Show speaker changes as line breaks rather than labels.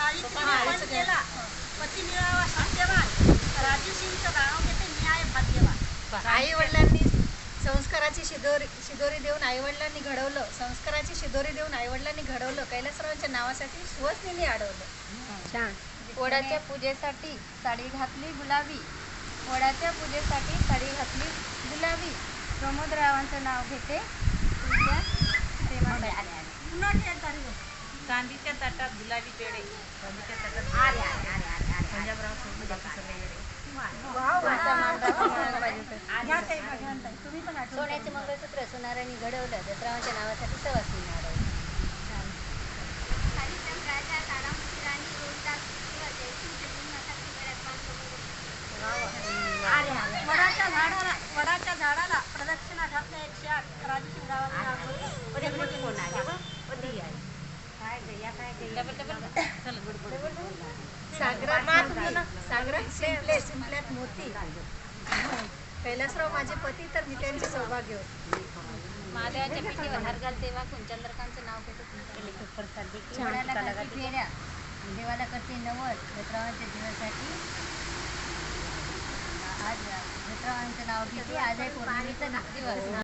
पण केला पती मिळावा सत्यवान राजूसिंगचं नाव घेते न्याय भाग्यवान.
आई वडिलांनी संस्काराची शिदोरी देऊन आईवडिलांनी घडवलं, संस्काराची शिदोरी देऊन आईवडिलांनी घडवलं, कैलासरावांच्या नावासाठी सुहासनीने अडवलं.
छान.
वडाच्या पूजेसाठी साडी घातली गुलाबी, वडाच्या पूजेसाठी साडी घातली गुलाबी. प्रमोदरावांचं नाव घेते तुमच्या प्रेमासाठी.
चांदीच्या ताटात गुलाबी पेढे, चांदीच्या ताटात पंजाबराव सोडून बाकी सगळे येडे.
सोन्याचे मंगळसूत्र सोनारांनी घडवलं, दत्तरावांच्या नावासाठी सवासनीने अडवलं.
वडाच्या झाडाला प्रदक्षिणा घातल्या 108
सागरात शिंपल्यात मोती. कैलासराव माझे पती तर मी त्यांचे सौभाग्य होते.
महादेवाच्या पिठीवर हार घालते वाकून चंद्रकांतचं नाव घेते तुमच्या. वडाला करते फेऱ्या, देवाला करते नवस. दत्तरावांच्या दिवसासाठी आज दत्तरावांचं नाव घेते. आज आहे पौर्णिमेचा दिवस.